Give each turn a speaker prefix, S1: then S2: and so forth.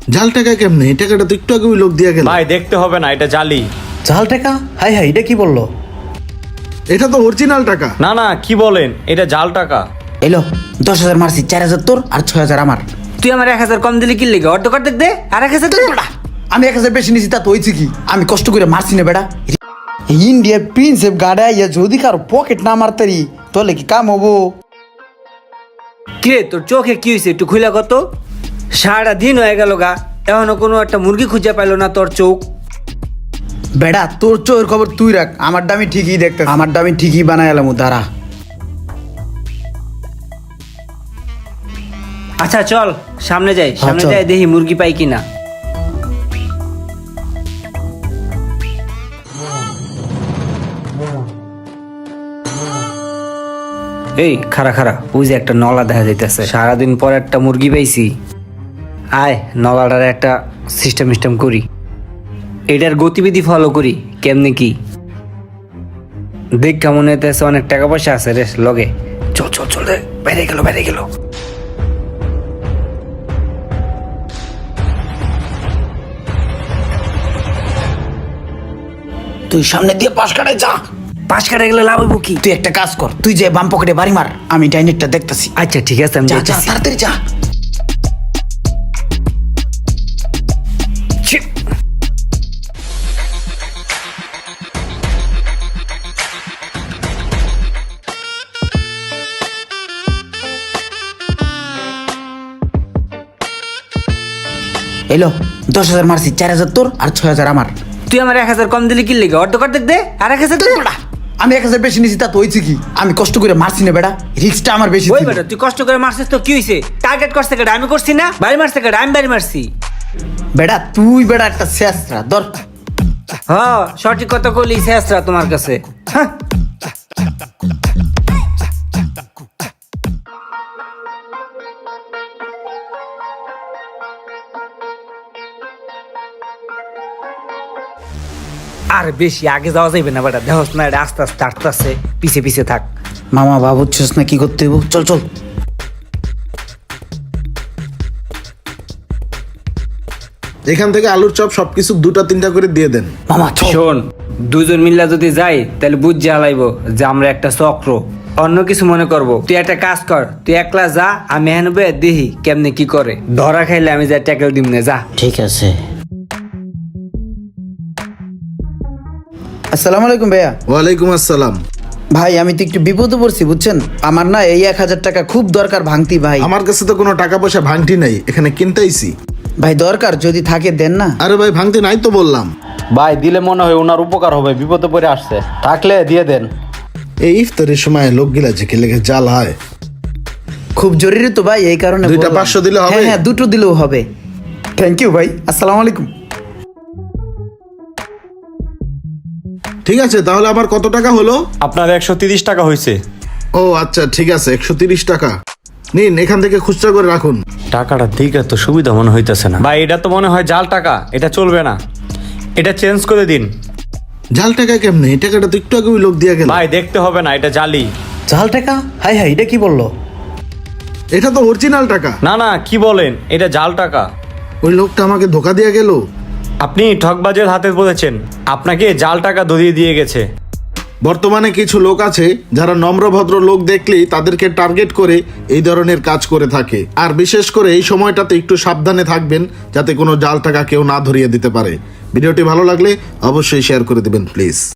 S1: জাল টাকা কেমনে? এই টাকাটা তো একটু আগে ওই লোক দিয়ে গেল।
S2: ভাই দেখতে হবে না, এটা জালি।
S3: জাল টাকা? হাই হাই, এটা কি বললো?
S1: এটা তো অরিজিনাল টাকা।
S2: না না, কি বলেন, এটা জাল টাকা।
S3: এলো 10,000 মারছি, 4,000 তোর আর 6,000 আমার।
S4: তুই আমার 1,000 কম দিলি কি লেগে? অর্ধেক অর্ধেক দে, আর 1,000 দে।
S3: আমি 1,000 বেশি নিছি, তা তো হয়েছে কি? আমি কষ্ট করে মারছি না বেটা। ইন্ডিয়ার প্রিন্সেপ গাড়া ইয়া যদি কারো পকেট না মারতারি তাহলে কি কাম হবো?
S4: কিরে তোর চোখে কি হয়েছে একটু খুলে কত? সারা দিন হয়ে গেল গা, এখনো কোনো একটা মুরগি খুঁজে পাইলো না তোর চোখ।
S3: বেটা তোর চোখের খবর তুই রাখ, আমার দামি ঠিকই দেখতে, আমার দামি ঠিকই বানাই এলাম দাঁড়া।
S4: আচ্ছা চল সামনে যাই, সামনে
S3: চল।
S4: যাই দেখি মুরগি পাই কিনা। এই খারা খারা, ওই যে একটা নলা দেখা যাইতেছে, সারাদিন পর একটা মুরগি পাইছি। আয় নলাটার একটা সিস্টেম করি, এটার গতিবিধি ফলো করি কেমনে কি। দেখ কেমন হইতেছে, অনেক টাকা পয়সা আছে রে লগে। চল চল চল রে, বাইরে গেল বাইরে গেল।
S3: তুই সামনে দিয়ে পাশ কাটায় যা।
S4: পাশ কাটা গেলে লাভ হইব কি?
S3: তুই একটা কাজ কর, তুই যে বাম পকেটে বাড়ি মার, আমি ডাইনেটটা দেখতাছি।
S4: আচ্ছা ঠিক আছে, আমি
S3: যা যা
S4: যাইতাছি।
S3: তাড়াতাড়ি যা।
S4: ছি।
S3: এলো 10,000 মারছি, 4,000 তোর আর 6,000 আমার।
S4: তুই আমার 1,000 কম দিলি কি লেগে? অর্ধেক অর্ধেক দে, আর 1,000 দে।
S3: আমি 1,000 বেশি নিছি, তা তো হয়েছে কি? আমি কষ্ট করে মারছি না বেটা, রিস্কটা আমার বেশি
S4: ওই
S3: ছিল।
S4: বেটা তুই কষ্ট করে মারছিস তো কি হইছে? টার্গেট করছে কেডা? আমি করছি না? বাড়ি মারছে কেডা? আমি বাড়ি মারছি।
S3: বেটা তুই বেটা একটা শেষরা ধর।
S4: হ্যাঁ সঠিক কথা কইলি, শেষরা তোমার কাছে। হ্যাঁ। আর বেশি আগে যাওয়া যাইবে না বেটা, দেখোস না এটা আস্তে আস্তে আসতেছে, পিছে পিছে থাক।
S3: মামা ভাবছিস না কি করতে হইব? চল চল।
S1: এখান থেকে আলুর চপ সবকিছু 2-3টা করে দিয়ে দেন।
S3: মামা চল।
S4: শোন, দুজন মিল্লা যদি যাই তাহলে বুঝ জ্বালাইবো যে আমরা একটা চক্র, অন্য কিছু মনে করব। তুই একটা কাজ কর, তুই একলা যা, আমি হেনবে দেখি কেমনে কি করে। ধরা খাইলে আমি যা ট্যাকেল দিম না, যা।
S3: ঠিক আছে। আসসালামু আলাইকুম ভাইয়া।
S1: ওয়ালাইকুম আসসালাম।
S3: ভাই আমি তো একটু বিপদে পড়ছি বুঝছেন, আমার না এই 1,000 টাকা খুব দরকার ভাঙতি ভাই।
S1: আমার কাছে তো কোনো টাকা পয়সা ভাঙটি নাই, এখানে কিনতেইছি।
S3: ভাই দরকার, যদি থাকে দেন না।
S1: আরে ভাই ভাঙতি নাই তো বললাম।
S2: ভাই দিলে মনে হয় ওনার উপকার হবে, বিপদে পড়ে আসছে, থাকলে দিয়ে দেন।
S1: এই ইফতারের সময় লোকগুলা যে লেগে জাল হয়।
S3: খুব জরুরি তো ভাই, এই কারণে
S1: দুইটা
S3: বললাম।
S1: 500 দিলে হবে?
S3: হ্যাঁ হ্যাঁ, দুটো দিলেও হবে। থ্যাংক ইউ ভাই, আসসালামু আলাইকুম।
S1: ঠিক আছে, তাহলে আমার কত টাকা হলো?
S2: আপনার 130 টাকা হয়েছে।
S1: ও আচ্ছা ঠিক আছে, 130 টাকা নিন, এখান থেকে খুচরা করে রাখুন।
S2: টাকাটা দিকে তো সুবিধা মনে হইতেছে না ভাই, এটা তো মনে হয় জাল টাকা, এটা চলবে না, এটা চেঞ্জ করে দিন।
S1: জাল টাকা কেমনে? এই টাকাটা তো একটু আগে ওই লোক দিয়ে গেল।
S2: ভাই দেখতে হবে না, এটা জালি।
S3: জাল টাকা? হাই হাই, এটা কি বললো?
S1: এটা তো অরিজিনাল টাকা।
S2: না না, কি বলেন, এটা জাল টাকা।
S1: ওই লোকটা আমাকে ধোকা দিয়ে গেল।
S2: আপনি ঠকবাজের হাতে বলেছেন, আপনাকে জাল টাকা ধরিয়ে দিয়ে গেছে।
S1: বর্তমানে কিছু লোক আছে যারা নম্র ভদ্র লোক দেখলেই তাদেরকে টার্গেট করে এই ধরনের কাজ করে থাকে। আর বিশেষ করে এই সময়টাতে একটু সাবধানে থাকবেন, যাতে কোনো জাল টাকা কেউ না ধরিয়ে দিতে পারে। ভিডিওটি ভালো লাগলে অবশ্যই শেয়ার করে দিবেন প্লিজ।